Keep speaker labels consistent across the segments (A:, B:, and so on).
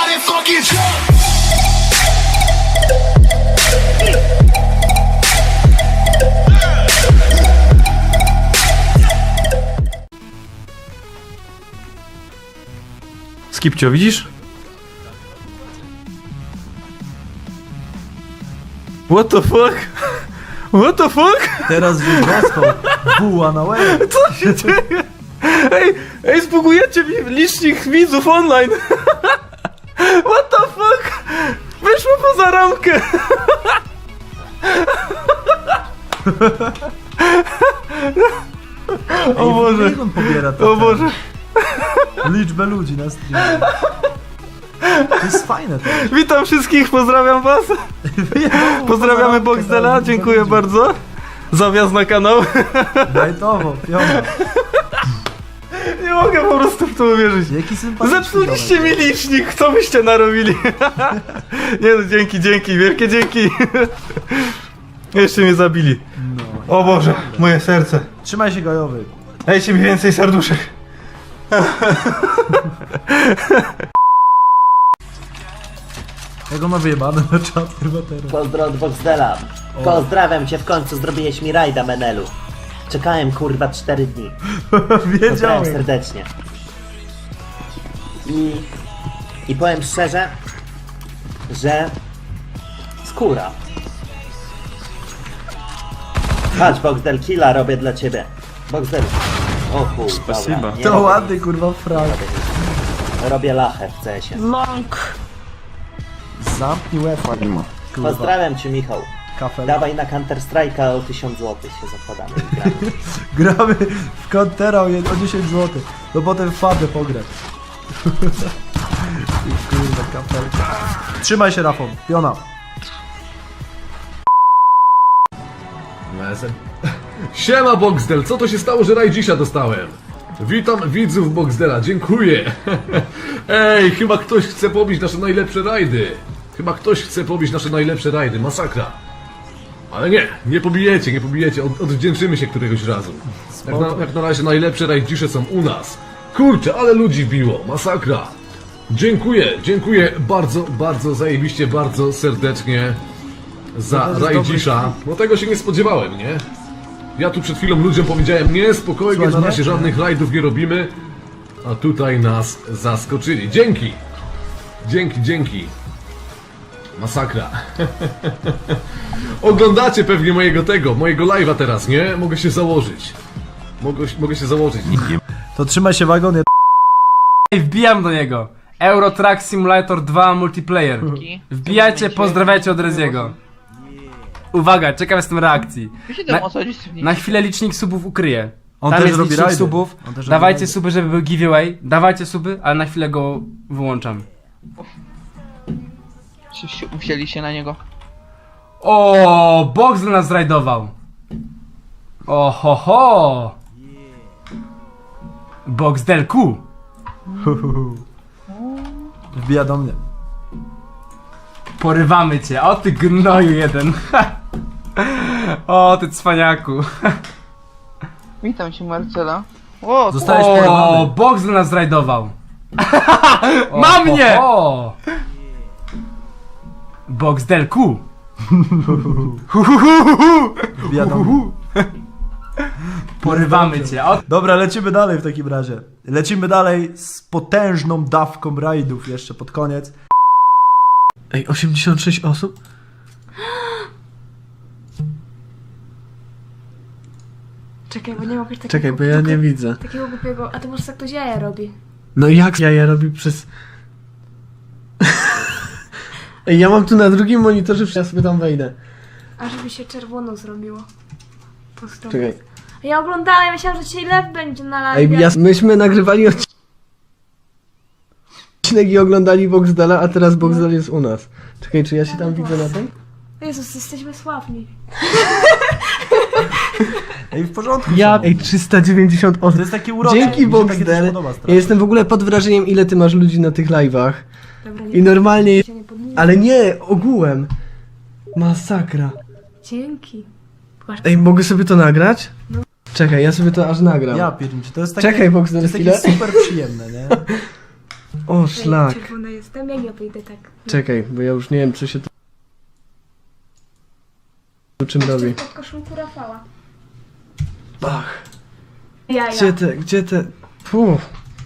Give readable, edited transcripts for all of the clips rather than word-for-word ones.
A: Everybody fucking jump.
B: Skipcio, widzisz? What the fuck? What the fuck?
C: Teraz już dostał buła na łeb.
B: Co się dzieje? Ej, zbugujecie mi licznik widzów online. What the fuck? Wyszło poza ramkę. O Boże.
C: Jak on pobiera
B: O Boże.
C: liczbę ludzi na streamie. To jest fajne to.
B: Witam wszystkich, pozdrawiam was. Pozdrawiamy Boxdela, dziękuję bardzo za wjazd na kanał.
C: Dajtowo, piona.
B: Nie mogę po prostu w to uwierzyć.
C: Jaki sympatyczny
B: Zepsuliście mi
C: ziomek.
B: licznik, co byście narobili? Nie no, dzięki, wielkie dzięki. Jeszcze mnie zabili.
C: No.
B: O Boże, moje serce.
C: Trzymaj się, Gajowy.
B: Dajcie mi więcej serduszek.
C: Jak on ma wyjebane na czat chyba teraz.
D: Pozdro od Boxdela. Pozdrawiam cię, w końcu zrobiłeś mi rajda, Menelu. Czekałem kurwa 4 dni. Pozdrawiam
C: Wiedziałem.
D: serdecznie. I powiem szczerze, że skóra. Patrz, Boxdel, killa robię dla ciebie. Boxdel. O kurwa.
B: Spasiba.
D: dobra, nie
C: To
D: robię
C: ładny kurwa frag.
D: nic. Robię lachę w CS-ie.
C: Zamknij łeb. Kurwa.
D: Pozdrawiam cię, Michał.
C: Kafel.
D: Dawaj na Counter Strike'a o 1000 zł się zakładamy i gramy.
C: Gramy w Contera o 10 zł. No potem w Fabę pograć. Kurwa, kafelka. Trzymaj się, Rafał. Piona.
E: Siema Boxdel, co to się stało, że Rajdzisza dostałem? Witam widzów Boxdela, dziękuję. Ej, chyba ktoś chce pobić nasze najlepsze rajdy. Masakra. Ale nie pobijecie, odwdzięczymy się któregoś razu. Jak na razie najlepsze rajdzisze są u nas. Kurczę, ale ludzi biło, masakra. Dziękuję bardzo zajebiście, bardzo serdecznie za
C: To jest
E: Rajdzisza. No tego się nie spodziewałem, nie? Ja tu przed chwilą ludziom powiedziałem, nie, spokojnie,
C: Słuchaj,
E: na razie
C: nie?
E: żadnych rajdów nie robimy. A tutaj nas zaskoczyli. Dzięki. Masakra. Oglądacie pewnie mojego live'a teraz, nie? Mogę się założyć. Mogę się założyć.
C: To trzymaj się, wagon.
F: Ej, wbijam do niego. Euro Truck Simulator 2 multiplayer. Wbijajcie, pozdrawiajcie od Reziego. Uwaga, czekam jestem reakcji. Na chwilę licznik subów ukryję.
C: On
F: Tam
C: też
F: jest
C: robi
F: licznik
C: rajdy.
F: subów.
C: On też robi
F: Dawajcie
C: rajdy.
F: suby, żeby był giveaway. Dawajcie suby, ale na chwilę go wyłączam.
G: Musieli się na niego.
F: O, Boxdel nas zrajdował. O ho ho. Boxdelku.
C: Wbija do mnie.
F: Porywamy cię. O ty gnoju jeden. O ty cwaniaku.
G: Witam cię, Marcela. O,
C: Zostałeś
F: O,
C: porwany.
F: Boxdel nas zrajdował.
G: O,
F: Mam mnie! Boxdelku.
C: Wbija do mnie.
F: Porywamy cię. O,
C: Dobra, lecimy dalej w takim razie. Lecimy dalej z potężną dawką rajdów jeszcze pod koniec.
B: Ej, 86 osób?
H: Czekaj, bo nie mogę takiego...
B: Czekaj, bo ja nie widzę.
H: Takiego głupiego... A to może tak ktoś jaja robi.
B: No jak ja robi przez... Ej, ja mam tu na drugim monitorze, ja sobie tam wejdę.
H: A żeby się czerwono zrobiło. Pusto.
B: Czekaj.
H: Ja oglądałem, ja myślałam, że dzisiaj lew będzie na live.
B: Ej, myśmy nagrywali odcinek i oglądali Boxdela, a teraz Boxdel jest u nas. Czekaj, czy ja się tam widzę na tym?
H: Jezus, jesteśmy sławni.
C: Ej, w porządku.
B: Ja, ej, 390 osób.
C: To jest takie urocze.
B: Dzięki
C: Mi się takie też
B: Boxdel.
C: podoba strasznie.
B: Ja jestem w ogóle pod wrażeniem, ile ty masz ludzi na tych live'ach.
H: Dobra, nie
B: I normalnie...
H: się nie podnieś.
B: Ale nie, ogółem. Masakra.
H: Dzięki. Patrz,
B: Ej, mogę sobie to nagrać? Czekaj, ja sobie to aż nagram.
C: Ja pierniczę, to jest takie...
B: Czekaj, Boxdel,
C: to jest takie
B: chwilę.
C: super przyjemne, nie?
A: O,
H: że
A: szlak.
H: czerwona jestem, ja nie wyjdę tak.
A: Czekaj, bo ja już nie wiem, co się tu czym robi.
H: Pod koszulku Rafała.
A: Ach,
H: Jaja.
A: gdzie te... Puh.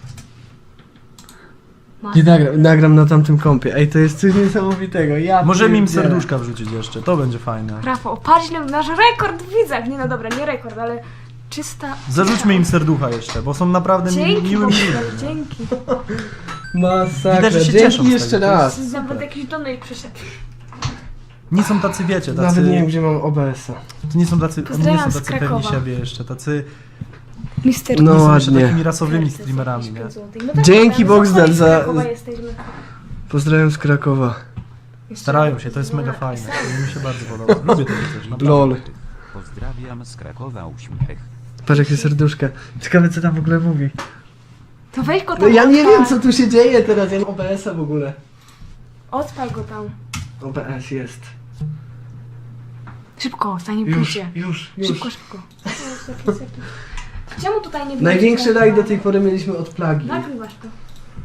A: Nie nagram na tamtym kompie. Ej, to jest coś niesamowitego. Ja
C: Możemy im
A: pierdzielę.
C: serduszka wrzucić jeszcze, to będzie fajne.
H: Rafał, patrz ile nasz rekord w widzach. Nie no dobra, nie rekord, ale czysta...
C: Zarzućmy im serducha jeszcze, bo są naprawdę
H: Dzięki,
C: miłym
H: Bogdan, dzięki.
A: Masakra,
C: Widać, że się cieszą
A: dzięki
C: z
A: jeszcze
C: tego.
A: raz.
H: Nawet jakiś donate przyszedł.
C: Nie są tacy, wiecie, tacy...
A: Nawet nie wiem, gdzie mam OBS-a.
C: To nie są tacy, oni nie
H: Pozdrawiam
C: są
H: z
C: tacy pewni
H: Krakowa.
C: siebie jeszcze, tacy...
H: Mister...
A: No
C: Nie są jeszcze
A: ładnie.
C: takimi rasowymi streamerami, nie?
A: Dzięki, Boxdel, za-
H: Jesteśmy.
A: Pozdrawiam z Krakowa.
C: Starają się, to jest mega fajne. To mi się bardzo podoba. Lubię takie coś, naprawdę.
A: LOL.
I: Pozdrawiam z Krakowa, uśmiech.
A: Patrz jakie serduszka. Ciekawe co tam w ogóle mówi.
H: To weź go tam.
A: No ja nie
H: odpal.
A: wiem co tu się dzieje teraz, ja mam OBS-a w ogóle.
H: Odpal go tam.
A: OBS jest.
H: Szybko, zanim
A: Już,
H: pójdzie.
A: już.
H: Szybko, szybko. Czemu tutaj nie
A: Największy rajd do tej pory mieliśmy od plagi.
H: Nagrywasz to.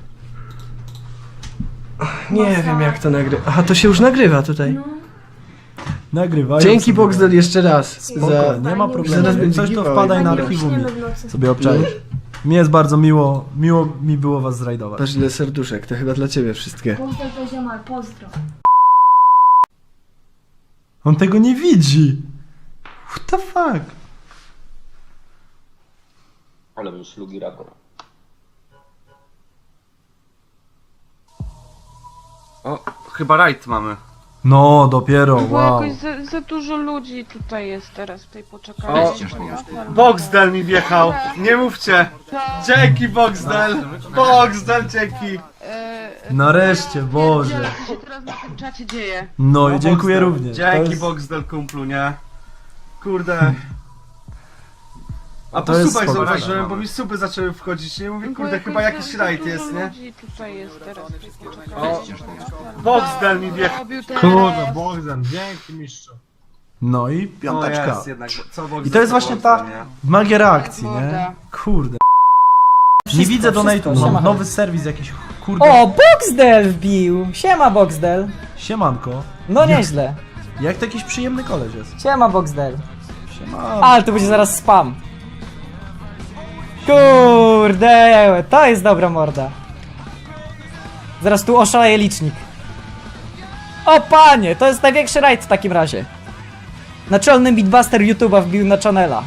A: Nie wiem jak to nagrywa. Aha, to się już nagrywa tutaj.
H: No.
C: Nagrywają
A: Dzięki
C: sobie.
A: Boxdel jeszcze raz.
C: Spoko, nie ma problemu.
A: Zaraz
C: Jak
A: będzie
C: coś to
A: giveaway.
C: wpadaj na
H: Nie
C: archiwum
H: uśniemy
C: i
H: w nocy.
C: sobie obczaisz. Mi jest bardzo miło mi było was zrajdować.
A: Patrz ile serduszek, to chyba dla ciebie wszystkie.
H: Pozdro to ziomal, pozdro.
C: On tego nie widzi. What the fuck?
I: Ale był szlugi rapor.
B: O, chyba rajd mamy.
C: No, dopiero,
G: Bo
C: wow.
G: jakoś za dużo ludzi tutaj jest teraz w tej poczekalni.
J: Boxdel mi wjechał, nie mówcie. Dzięki Boxdel, Boxdel dzięki.
C: Nareszcie, Boże.
G: Co się teraz na tym czacie dzieje?
C: No i dziękuję również. To
J: Dzięki
C: jest-
J: Boxdel kumplu, nie? Kurde. A
C: To
J: po
C: jest
J: subach
C: spoko.
J: zauważyłem, bo mi suby zaczęły wchodzić, nie? Mówię,
G: Bo
J: kurde,
G: jakoś
J: chyba jakiś
G: za
J: rajd
G: dużo
J: jest, nie?
G: ludzi tutaj jest teraz w tej
J: O,
G: poczekalni.
J: Boxdel mi wjechał.
G: Robił teraz.
J: Kurde, Boxdel, dzięki mistrzu.
C: No i
J: No
C: piąteczka.
J: jest jednak, co Boxdel,
C: I to jest
J: co
C: właśnie
J: Boxdel,
C: ta
J: nie?
C: magia reakcji, nie?
G: Morda.
C: Kurde. Nie widzę donate'u, mam nowy serwis jakiś, kurde.
K: O, Boxdel wbił! Siema Boxdel!
C: Siemanko.
K: No nieźle.
C: Jak to jakiś przyjemny koleś jest.
K: Siema Boxdel.
C: Siema.
K: Ale to będzie zaraz spam. Kurde, to jest dobra morda. Zaraz tu oszaleje licznik. O panie, to jest największy rajd w takim razie. Naczelny beatbuster YouTube'a wbił na channela.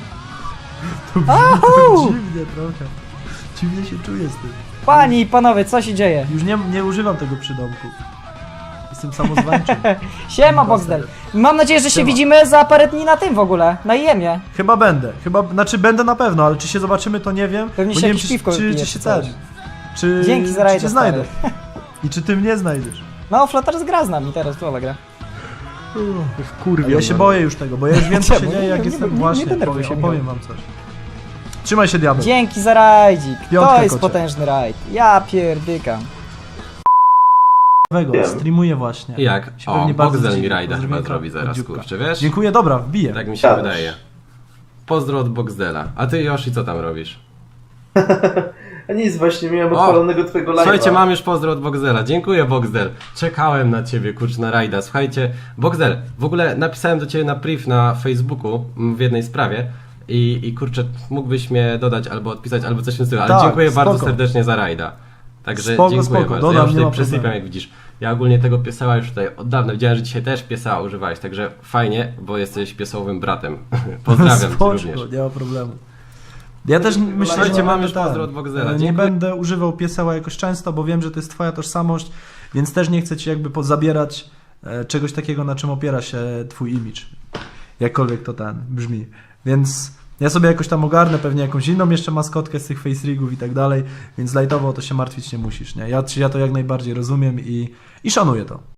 K: Ahu!
C: Dziwnie trochę. Dziwnie się czuję z tym.
K: Panie i panowie, co się dzieje?
C: Już nie używam tego przydomku. Jestem samozwańczym.
K: Siema Boxdel. Mam nadzieję, że się
C: Siema.
K: widzimy za parę dni na tym w ogóle, na IEM-ie.
C: Chyba będę. Znaczy będę na pewno, ale czy się zobaczymy to nie wiem.
K: Pewnie
C: bo
K: się
C: nie wiem
K: jakieś piwko
C: czy
K: wypijesz,
C: się
K: czy coś.
C: czy
K: Dzięki za
C: czy
K: rajda,
C: cię znajdę. I czy ty mnie znajdziesz.
K: No, Flutter gra z nami teraz, to gra.
C: A ja się boję już tego, bo ja już wiem co się
K: Czemu?
C: dzieje jak
K: Nie
C: jestem
K: denerwuj
C: właśnie.
K: się,
C: Opowiem wam coś. Trzymaj się diabeł.
K: Dzięki za rajdzik.
C: Piątka,
K: To jest
C: kocie.
K: potężny rajd. Ja pierdykam.
C: Streamuję właśnie.
E: Jak?
C: Się
E: O,
C: pewnie bardzo
E: Boxdel mi
C: cieszę.
E: rajda chyba
C: Pozdrowienia
E: zrobi
C: od
E: zaraz,
C: Dziubka.
E: kurczę, wiesz?
C: Dziękuję, dobra, wbiję.
E: Tak mi się wydaje. Pozdro od Boxdela. A ty, Yoshi, co tam robisz?
J: A nic, właśnie miałem
E: odpalonego twojego live'a. Słuchajcie, mam już pozdro od Boxdela. Dziękuję, Boxdel. Czekałem na ciebie, kurczę, na rajda. Słuchajcie, Boxdel, w ogóle napisałem do ciebie na priv na Facebooku w jednej sprawie i kurczę, mógłbyś mnie dodać albo odpisać, albo coś w tym stylu, ale
C: Tak,
E: dziękuję bardzo
C: spoko.
E: serdecznie za rajda. Także
C: Spoko,
E: dziękuję
C: spoko.
E: bardzo.
C: Dodam,
E: Ja już
C: nie
E: tutaj
C: ma
E: przysypiam,
C: problemu.
E: jak widzisz. Ja ogólnie tego pieseła już tutaj od dawna. Widziałem, że dzisiaj też pieseła używałeś, także fajnie, bo jesteś piesowym bratem. Pozdrawiam cię
C: Spoczko,
E: również.
C: nie ma problemu. Ja też myślę,
E: Słuchajcie,
C: że
E: mam
C: będę
E: już pozdro od Boxdela.
C: nie
E: Dziękuję.
C: będę używał pieseła jakoś często, bo wiem, że to jest twoja tożsamość, więc też nie chcę ci jakby zabierać czegoś takiego, na czym opiera się twój image. Jakkolwiek to ten brzmi. Więc ja sobie jakoś tam ogarnę pewnie jakąś inną jeszcze maskotkę z tych face rigów i tak dalej, więc lightowo o to się martwić nie musisz, nie? Ja to jak najbardziej rozumiem i szanuję to.